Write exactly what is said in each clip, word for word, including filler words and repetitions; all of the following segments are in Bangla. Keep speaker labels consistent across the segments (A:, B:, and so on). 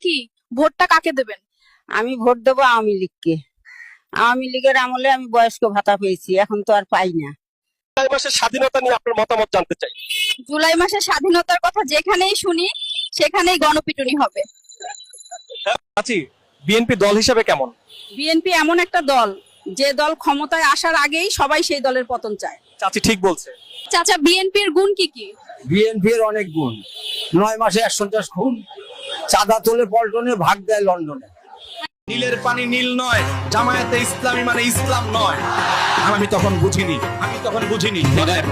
A: কি ভোটটা কাকে দেবেন?
B: আমি ভোট দেবো আওয়ামী লীগকে। আওয়ামী লীগের আমলে আমি বয়স্ক ভাতা পেয়েছি, এখন তো আর পাই না।
C: জুলাই মাসের স্বাধীনতা নিয়ে আপনার মতামত জানতে চাই।
A: জুলাই মাসের স্বাধীনতার কথা যেখানেই শুনি সেখানেই গণপিটুনি হবে।
C: আছি বিএনপি দল হিসেবে কেমন?
A: বিএনপি এমন একটা দল যে দল ক্ষমতায় আসার আগেই সবাই সেই দলের পতন চায়।
C: চাচি ঠিক বলছে।
A: চাচা, বিএনপির গুণ কি কি?
D: বিএনপির অনেক গুণ। নয় মাসে একশো খুন, চাঁদা তোলে পল্টনে, ভাগ দেয় লন্ডনে।
E: নীলের পানি নীল নয়, জামায়াতে ইসলামী মানে ইসলাম নয়। আমি তখন বুঝিনি, আমি তখন বুঝিনি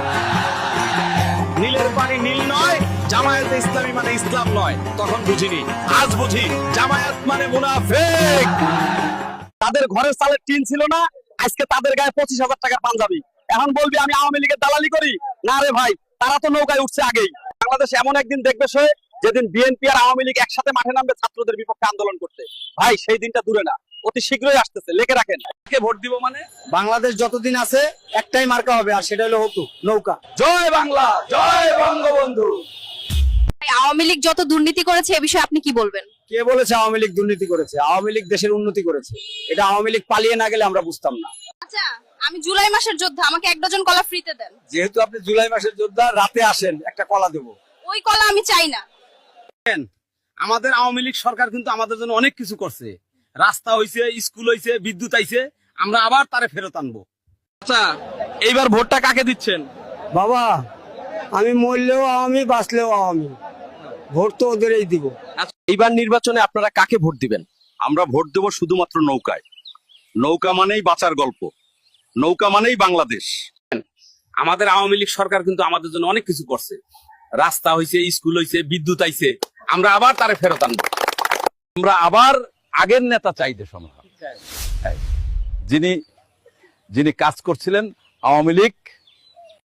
E: নীলের পানি নীল নয়, জামায়াতে ইসলামী মানে ইসলাম নয়, তখন বুঝিনি। আজ বুঝি জামায়াত মানে মুনাফিক।
C: তাদের ঘরের চালের টিন ছিল না, আজকে তাদের গায়ে পঁচিশ হাজার টাকার পাঞ্জাবি। এখন বলবি আমি আওয়ামী লীগের দালালি করি? না রে ভাই, তারা তো নৌকায় উঠছে আগেই। বাংলাদেশ এমন একদিন দেখবে সে, যেদিন বিএনপি আর আওয়ামী লীগ একসাথে মাঠে নামবে ছাত্রদের বিপক্ষে আন্দোলন করতে। ভাই সেই দিনটা দূরে না, অতি শীঘ্রই আসতেছে, লেখে রাখেন। কে ভোট দিব মানে?
D: বাংলাদেশ যতদিন আছে একটাই মার্কা হবে, আর সেটা হলো হতু নৌকা।
E: জয় বাংলা, জয় বঙ্গবন্ধু।
A: আওয়ামী লীগ যত দুর্নীতি করেছে এ বিষয়ে আপনি কি বলবেন?
D: কে বলেছে আওয়ামী লীগ দুর্নীতি করেছে? আওয়ামী লীগ দেশের উন্নতি করেছে। এটা আওয়ামী লীগ পালিয়ে না গেলে আমরা বুঝতাম না।
A: আচ্ছা, আমি জুলাই মাসের যোদ্ধা, আমাকে এক ডজন কলা ফ্রিতে দেন।
D: যেহেতু আপনি জুলাই মাসের যোদ্ধা, রাতে আসেন, একটা কলা দেবো।
A: ওই কলা আমি চাই না।
E: আমাদের আওয়ামী লীগ সরকার কিন্তু আমাদের জন্য অনেক কিছু করছে। রাস্তা হইছে, স্কুল হইছে, বিদ্যুৎ আইছে, আমরা আবার তারে ফেরত আনবো।
C: আচ্ছা, এইবার ভোটটা কাকে দিচ্ছেন?
D: বাবা, আমি মরলেও আওয়ামী, বাঁচলেও আওয়ামী, ভোট তো ওদেরই দিব।
C: আচ্ছা, এইবার নির্বাচনে আপনারা কাকে ভোট দিবেন?
F: আমরা ভোট দেব শুধুমাত্র নৌকায়। নৌকা মানেই বাঁচার গল্প, নৌকা মানেই বাংলাদেশ।
E: আমাদের আওয়ামী লীগ সরকার কিন্তু আমাদের জন্য অনেক কিছু করছে। রাস্তা হইছে, স্কুল হইছে, বিদ্যুৎ আইছে, আমরা আবার তারে ফেরত আনবো।
F: আমরা আবার আগের নেতা চাই দেশ আমরা, যিনি যিনি কাজ করছিলেন আওয়ামী লীগ